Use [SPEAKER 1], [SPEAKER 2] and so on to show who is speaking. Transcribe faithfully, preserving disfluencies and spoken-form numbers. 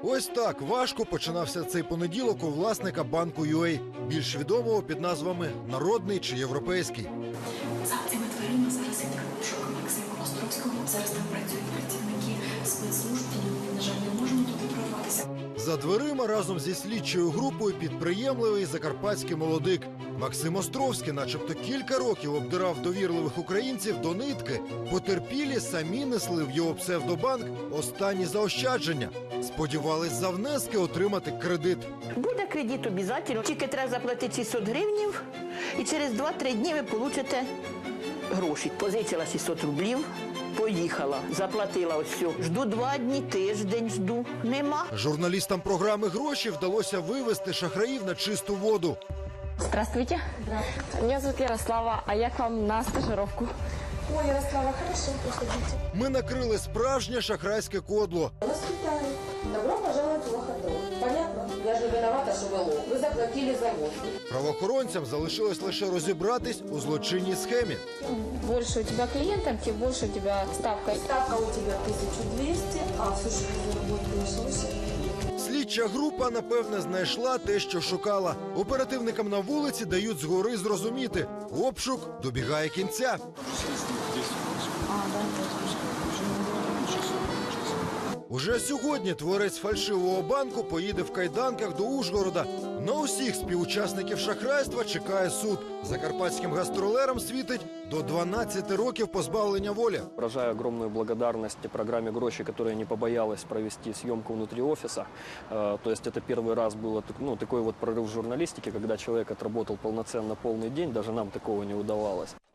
[SPEAKER 1] Ось так важко починався цей понеділок у власника банку ю ей, більш відомого під назвами «Народний» чи «Європейський».
[SPEAKER 2] За цими дверима зараз іде пошук Максима Островського. Зараз там працюють працівники спецслужб, тому ми, на жаль, не можемо туди прорватися.
[SPEAKER 1] За дверима разом зі слідчою групою підприємливий закарпатський молодик. Максим Островський начебто кілька років обдирав довірливих українців до нитки. Потерпілі самі несли в його псевдобанк останні заощадження. Сподівались за внески отримати кредит.
[SPEAKER 3] Буде кредит обов'язково, тільки треба заплатити шістсот гривнів, і через два-три дні ви получите гроші. Позичила шістсот рублів, поїхала, заплатила ось все. Жду два дні, тиждень жду, нема.
[SPEAKER 1] Журналістам програми «Гроші» вдалося вивести шахраїв на чисту воду.
[SPEAKER 4] Здравствуйте. Здравствуйте. Меня зовут Ярослава, а я к вам на стажировку.
[SPEAKER 5] Ой, Ярослава, хорошо, приходите.
[SPEAKER 1] Ми накрили справжнє шахрайське кодло.
[SPEAKER 5] Вас вітаю. Добро пожаловать в Лохотрон. Понятно? Я же виновата, що ви лох. Ви заплатили за воздух.
[SPEAKER 1] Правоохоронцям залишилось лише розібратись у злочинній схемі.
[SPEAKER 4] Больше у тебя клиентов, тем больше у тебя ставка.
[SPEAKER 5] Ставка у тебя тисяча двісті, а слушай, ви заработаєш лише.
[SPEAKER 1] Слідча група, напевне, знайшла те, що шукала. Оперативникам на вулиці дають згори зрозуміти. Обшук добігає кінця. Уже сьогодні творець фальшивого банку поїде в кайданках до Ужгорода. На усіх співучасників шахрайства чекає суд. Закарпатським гастролерам світить до дванадцяти років позбавлення волі.
[SPEAKER 6] Выражаю огромную благодарность программе «Гроши», которая не побоялась провести съемку внутри офиса. Э, То есть это первый раз был ну, такой вот прорыв в журналистике, когда человек отработал полноценно полный день, даже нам такого не удавалось.